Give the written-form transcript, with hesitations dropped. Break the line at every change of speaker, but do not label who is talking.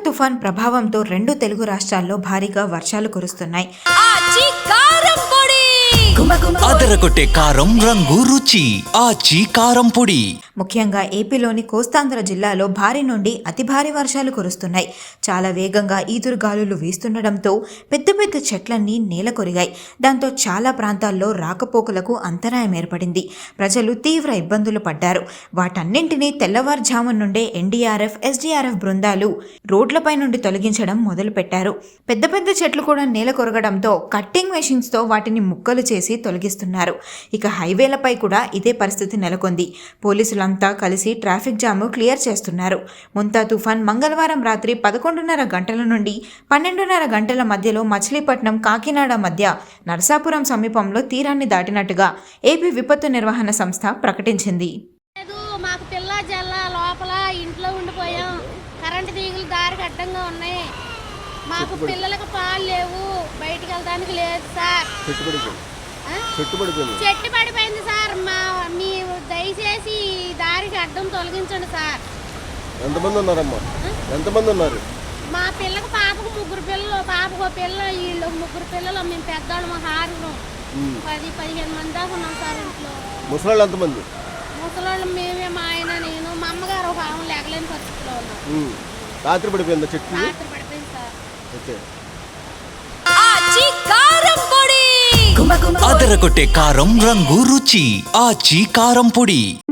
తుఫాన్ ప్రభావంతో రెండు తెలుగు రాష్ట్రాల్లో భారీగా వర్షాలు కురుస్తున్నాయి.
అదరగొట్టే కారం రంగు రుచి ఆచి కారం పొడి.
ముఖ్యంగా ఏపీలోని కోస్తాంధ్ర జిల్లాలో భారీ నుండి అతి భారీ వర్షాలు కురుస్తున్నాయి. చాలా వేగంగా ఈదురుగాలులు వీస్తుండటంతో పెద్ద పెద్ద చెట్లన్నీ నేల కొరిగాయి. దాంతో చాలా ప్రాంతాల్లో రాకపోకలకు అంతరాయం ఏర్పడింది. ప్రజలు తీవ్ర ఇబ్బందులు పడ్డారు. వాటన్నింటినీ తెల్లవారుజాము నుండే ఎన్డీఆర్ఎఫ్, ఎస్డీఆర్ఎఫ్ బృందాలు రోడ్లపై నుండి తొలగించడం మొదలుపెట్టారు. పెద్ద పెద్ద చెట్లు కూడా నేల కొరగడంతో కట్టింగ్ మెషిన్స్తో వాటిని ముక్కలు చేసి తొలగిస్తున్నారు. ఇక హైవేలపై కూడా ఇదే పరిస్థితి నెలకొంది. పోలీసులంతా కలిసి ట్రాఫిక్ జామ్ క్లియర్ చేస్తున్నారు. ముంతా తుఫాన్ మంగళవారం రాత్రి 11:30 గంటల నుండి 12:30 గంటల మధ్యలో మచిలీపట్నం, కాకినాడ మధ్య నరసాపురం సమీపంలో తీరాన్ని దాటినట్టుగా ఏపీ విపత్తు నిర్వహణ సంస్థ ప్రకటించింది.
మాకు పిల్ల జల్ల లోపల ఇంట్లో ఉండిపోయాం. కరెంటు తీగలు దారికి అడ్డంగా ఉన్నాయి. మాకు పిల్లలకు పాలు లేవు, బయటికి వెళ్ళడానికి లేదు సార్. చెట్టు పడిపోయింది సార్. మీరు దయచేసి దారికి అడ్డం తొలగించండి సార్.
ఎంతమంది ఉన్నారమ్మా? ఎంతమంది ఉన్నారు?
మా పిల్లకు పాపకు 3 పిల్లలు, పాపకు పిల్ల, వీళ్ళు 3 పిల్లలు. మేము పెద్దవాళ్ళం, హారులు 10-15 మంది దాకా ఉన్నాం సార్ ఇంట్లో.
ముసలాళ్ళు ఎంతమంది?
ముసలాళ్ళు మేమే, మా ఆయన, నేను, మా అమ్మగారు ఒక ఆమె లేగలేని పరిస్థితిలో ఉన్నాం.
రాత్రి పడిపోయిందా చెట్టు?
రాత్రి పడిపోయింది సార్.
ఓకే.
అదరగొట్టే కారం రంగు రుచి ఆచి కారం పొడి.